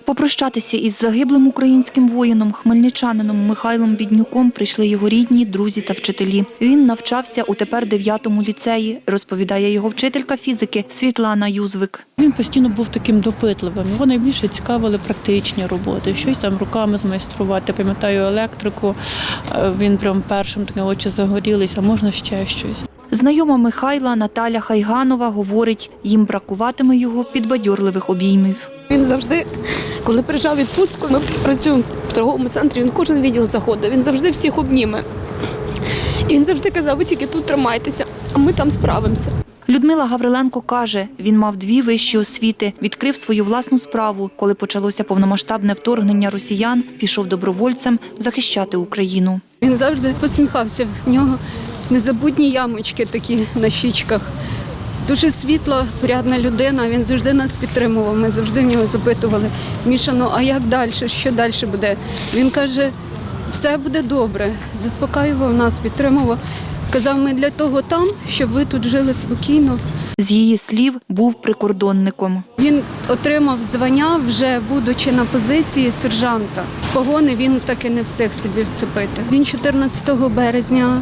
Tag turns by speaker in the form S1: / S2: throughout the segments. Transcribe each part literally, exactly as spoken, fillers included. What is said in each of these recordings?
S1: Попрощатися із загиблим українським воїном, хмельничанином Михайлом Біднюком прийшли його рідні, друзі та вчителі. Він навчався у тепер дев'ятому ліцеї, розповідає його вчителька фізики Світлана Юзвик.
S2: Він постійно був таким допитливим. Його найбільше цікавили практичні роботи, щось там руками змайструвати. Пам'ятаю електрику, він прям першим такі очі загорілись, а можна ще щось.
S1: Знайома Михайла Наталя Хайганова говорить, їм бракуватиме його підбадьорливих обіймів.
S3: Він завжди, коли приїжджав у відпустку, ми працюємо в торговому центрі, він кожен відділ заходить, він завжди всіх обніме. І він завжди казав, ви тільки тут тримайтеся, а ми там справимося.
S1: Людмила Гавриленко каже, він мав дві вищі освіти, відкрив свою власну справу. Коли почалося повномасштабне вторгнення росіян, пішов добровольцем захищати Україну.
S4: Він завжди посміхався, в нього незабутні ямочки такі на щічках. Дуже світла, порядна людина, він завжди нас підтримував, ми завжди в нього запитували, Міша, ну а як далі, що далі буде? Він каже, все буде добре, заспокоював нас, підтримував. Казав, ми для того там, щоб ви тут жили спокійно.
S1: З її слів, був прикордонником.
S4: Він отримав звання, вже будучи на позиції сержанта. Погони він таки не встиг собі вцепити. Він чотирнадцятого березня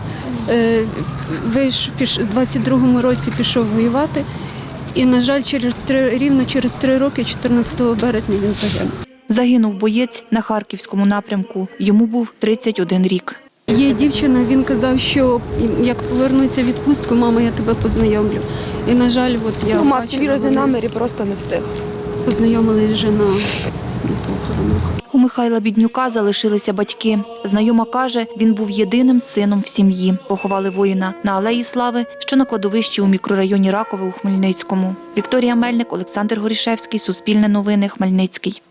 S4: в двадцять другому році пішов воювати. І, на жаль, через три, рівно через три роки, чотирнадцятого березня, він загинув.
S1: Загинув боєць на Харківському напрямку. Йому був тридцять один рік.
S4: Є дівчина, він казав, що як повернуся в відпустку, мама, я тебе познайомлю. І, на жаль, от я
S3: Ну, мав серйозний намір і просто не встиг.
S4: Познайомили вже на похоронах.
S1: У Михайла Біднюка залишилися батьки. Знайома каже, він був єдиним сином в сім'ї. Поховали воїна на Алеї Слави, що на кладовищі у мікрорайоні Ракове у Хмельницькому. Вікторія Мельник, Олександр Горішевський, Суспільне новини, Хмельницький.